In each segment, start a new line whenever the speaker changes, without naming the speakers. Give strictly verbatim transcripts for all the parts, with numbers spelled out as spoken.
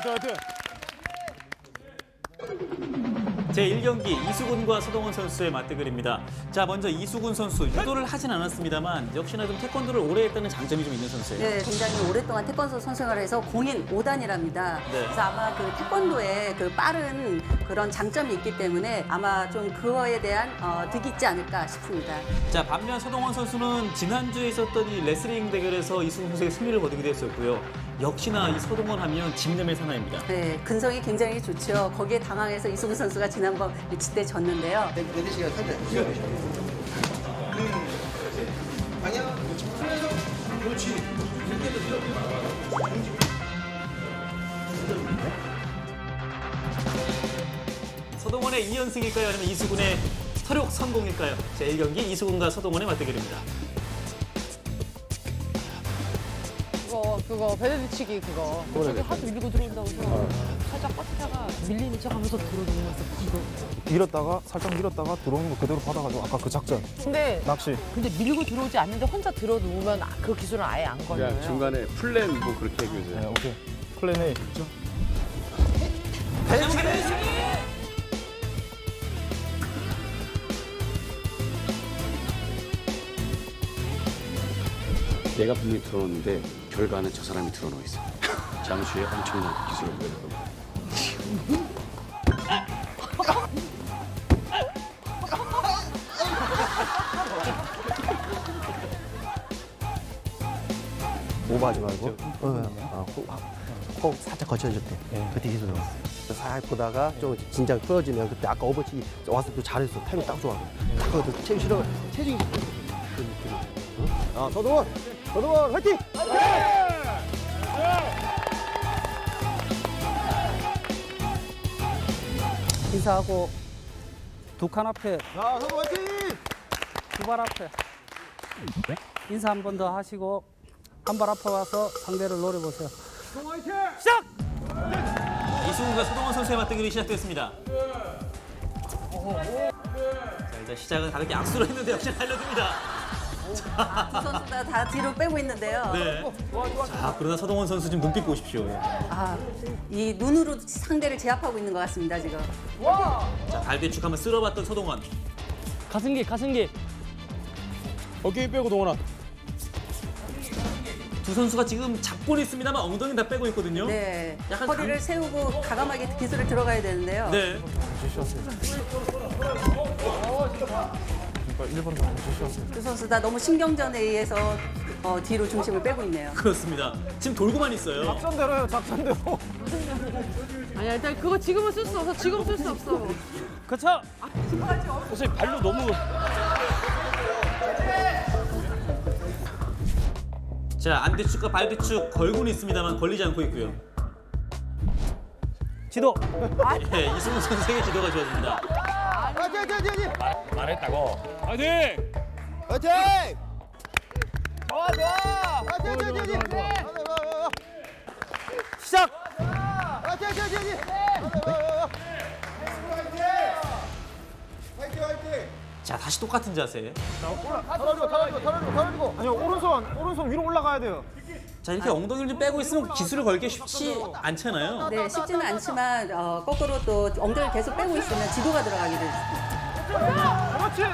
화이팅, 화이팅.
제일 경기 이수근과 서동원 선수의 맞대결입니다. 자, 먼저 이수근 선수 유도를 하진 않았습니다만 역시나 좀 태권도를 오래 했다는 장점이 좀 있는 선수예요.
네, 굉장히 오랫동안 태권도 선생활을 해서 공인 오 단이랍니다.
네.
그래서 아마 그 태권도에 그 빠른 그런 장점이 있기 때문에 아마 좀 그거에 대한 어, 득이 있지 않을까 싶습니다.
자, 반면 서동원 선수는 지난주에 있었던 이 레슬링 대결에서 이수근 선수의 승리를 거두기도 했었고요. 역시나 이 서동원 하면 집념의 사나이입니다.
네, 근성이 굉장히 좋죠. 거기에 당황해서 이수근 선수가 지난번 리치 때 졌는데요.
레드 씨가 살짝 쉬어주셔. 방향 풀면서 그렇지.
서동원의 이 연승일까요? 아니면 이수근의 서력 성공일까요? 제일 경기 이수근과 서동원의 맞대결입니다.
그거 그거 배드치기 그거 저기 하도 밀고 들어온다고 해서 살짝 뻗다가 밀리는 척하면서 들어오면서 이거
밀었다가 살짝 밀었다가 들어오는 거 그대로 받아가지고 아까 그 작전.
근데
낚시.
근데 밀고 들어오지 않는데 혼자 들어 누우면 그 기술은 아예 안 걸려요.
그냥 중간에 플랜 뭐 그렇게 해주세요.
네, 오케이. 플랜 A.
내가 분명히 들어오는데 결과는 저 사람이 들어놓고 있어요. 잠시 후에 엄청난 기술을 보여줄 겁니다.
오버하지 말고. 어, 어, 코, 코 살짝 거쳐줄 때. 그때 기술 나왔어요. 살 보다가 좀 진작 풀어지면 그때 아까 오버치 와서 또 잘했어. 타이밍 딱 좋아. 그거 체중 실어. 체중이 그 느낌. 어? 아, 서동원! 서동원 화이팅!
인사하고 두 칸 앞에
자, 서동원 화이팅!
두 발 앞에 인사 한 번 더 하시고 한 발 앞에 와서 상대를 노려보세요. 시작!
이수근과 서동원 선수의 맞대결이 시작됐습니다. 자, 일단 시작은 가볍게 악수를 했는데 역시 달려듭니다.
두 선수 다, 다 뒤로 빼고 있는데요.
네. 자, 그러나 서동원 선수 좀 눈빛 보십시오. 예.
아, 이 눈으로 상대를 제압하고 있는 것 같습니다, 지금.
자, 발대축 한번 쓸어봤던 서동원.
가슴기 가슴기
어깨 빼고 동원아.
두 선수가 지금 잡고는 있습니다만 엉덩이 다 빼고 있거든요.
네.
약간
허리를 세우고 과감하게 기술을 들어가야 되는데요.
네.
그러니까 일 번 더 주시었어요.
두 선수 다 너무 신경전에 의해서 어, 뒤로 중심을 빼고 있네요.
그렇습니다. 지금 돌고만 있어요.
작전대로요, 작전대로.
아니야 일단 그거 지금은 쓸 수 없어. 지금 쓸 수 없어.
그쵸?
선생님 발로 너무.
자, 안대축과 발대축 걸고는 있습니다만 걸리지 않고 있고요.
지도
예, 이승우 선생의 지도가 좋아집니다.
화이팅! 화이팅! 화이팅!
말했다고. 화이팅!
화이팅! 좋아, 좋아! 화이팅! 화이팅! 화이팅!
시작!
화이팅! 화이팅! 화이팅! 화이팅! 화이팅!
자, 다시 똑같은 자세.
털어주고, 털어주고, 털어주고, 털어주고.
아니요, 오른손, 오른손 위로 올라가야 돼요.
자, 이렇게 엉덩이를 좀 빼고 있으면 기술을 걸기 쉽지 않잖아요.
네, 쉽지는 않지만 어, 거꾸로 또 엉덩이를 계속 빼고 있으면 지도가 들어가게 되죠.
그렇지!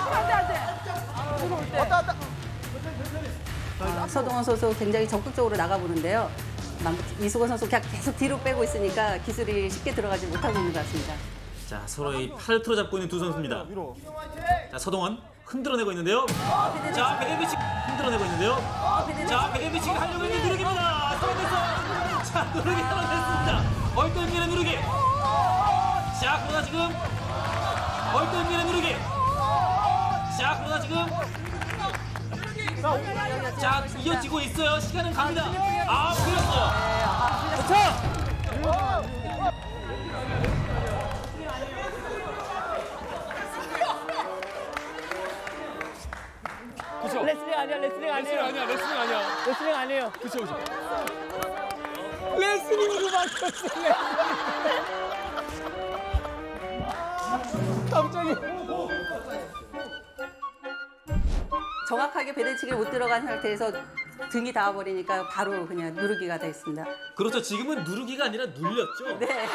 왔다, 왔다.
어, 서동원 선수 굉장히 적극적으로 나가보는데요. 남- 이수건 선수 그냥 계속 뒤로 빼고 있으니까 기술이 쉽게 들어가지 못하고 있는 것 같습니다.
자, 서로의 팔을 틀어 잡고 있는 두 선수입니다.
위로.
자, 서동원 흔들어내고 있는데요. 자, 베데비치 흔들어내고 있는데요. 자, 베데비치가 하려고 있는 누르기입니다. 떨어졌어. 자, 누르기 떨어졌습니다. 얼떨미는 누르기. 자, 그러나 지금 얼떨미는 누르기. 자, 그러나 지금 자, 이어지고 있어요. 시간은 갑니다. 아, 풀렸어요.
그쵸? 레슬링 아니야 레슬링 아니에요.
아니야, 레슬링 아니야.
레슬링 아니에요.
그쵸, 그쵸.
레슬링으로 바뀌었어.
깜짝이야.
정확하게 배대치기를 못 들어간 상태에서 등이 닿아버리니까 바로 그냥 누르기가 돼 있습니다.
그렇죠. 지금은 누르기가 아니라 눌렸죠.
네.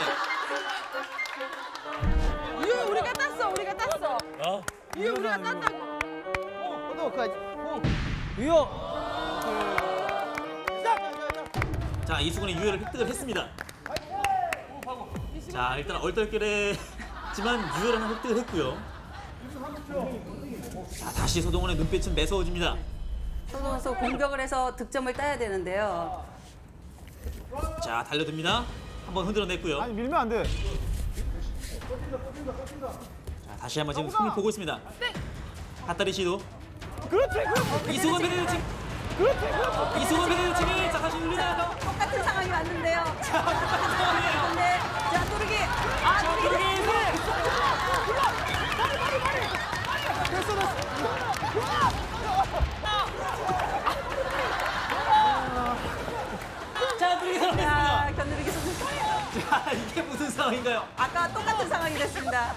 이거 우리가 땄어, 우리가 땄어.
어?
이거 우리가 땄다고.
유효.
자, 이수근의 유효를 획득을 했습니다. 자, 일단 얼떨결에지만 유효를 하나 획득을 했고요. 자, 다시 서동원의 눈빛은 매서워집니다.
서동원 선수 공격을 해서 득점을 따야 되는데요.
자, 달려듭니다. 한번 흔들어냈고요.
아니 밀면 안 돼.
자, 다시 한번 지금 손을 보고 있습니다. 핫다리 시도.
그렇지, 그렇지.
이수근 베네디치. 이수근 베네디치기. 자, 다시 눌리나요?
똑같은 상황이 왔는데요.
자, 똑같은 상황이에요.
근데 자 누르기. 아
자,
누르기.
누르기. 자, 누르기 들어갔습니다.
아 견누르기 선수.
자, 이게 무슨 상황인가요?
아까 똑같은 상황이 됐습니다.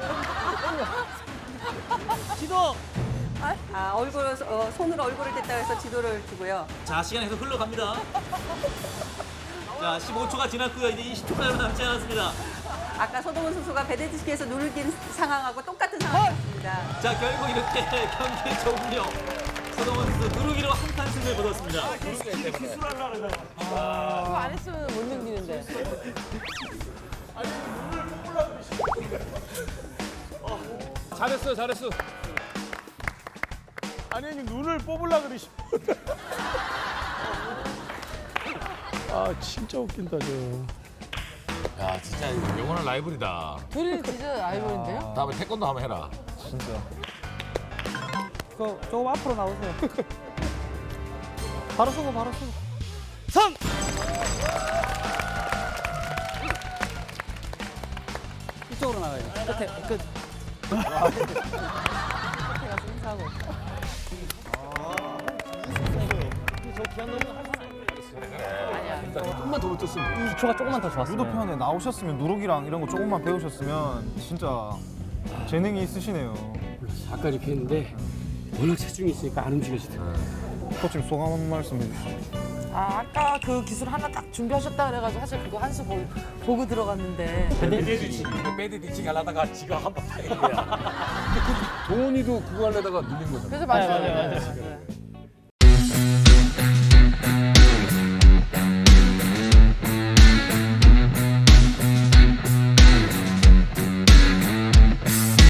지도.
아, 아 얼굴 어, 손으로 얼굴을 댔다 해서 지도를 주고요.
자, 시간이 계속 흘러갑니다. 자, 십오 초가 지났고요. 이제 이십 초가 얼마 남지 않았습니다.
아까 서동원 선수가 베데드시키에서 누르긴 상황하고 똑같은 상황이었습니다.
자, 결국 이렇게 경기 종료. 서동원 선수 누르기로 한판 승을 거뒀습니다.
그거 안 했으면 못 넘기는데.
잘했어, 잘했어. 아니 형님 눈을 뽑으려 그러시.
아 진짜 웃긴다 저.
야 진짜 영원한 라이벌이다.
둘이 진짜 라이벌인데요?
다음에 태권도 한번 해라.
진짜.
그 조금 앞으로 나오세요. 바로 쓰고 바로 쓰고. 선. 이쪽으로 나가야 돼. 끝에 끝.
앞에 가서 인사하고.
조금만 더 붙었으면.
이 초가 조금만 더 좋았어요.
유도편에 나오셨으면 누르기랑 이런 거 조금만 배우셨으면 진짜 재능이 있으시네요.
아까 이렇게 했는데 워낙 체중이 있으니까 안 움직여지더라고요.
코치님 소감 한 말씀 해주시죠.
아, 아까 그 기술 하나 딱 준비하셨다 그래가지고 사실 그거 한 수 보고 들어갔는데.
배드디치. 배드디치 가려다가 지가 한번 타는 거야. 동훈이도 그거 하려다가 눌린 거잖아.
그래서 맞아요.
맞아요,
맞아요.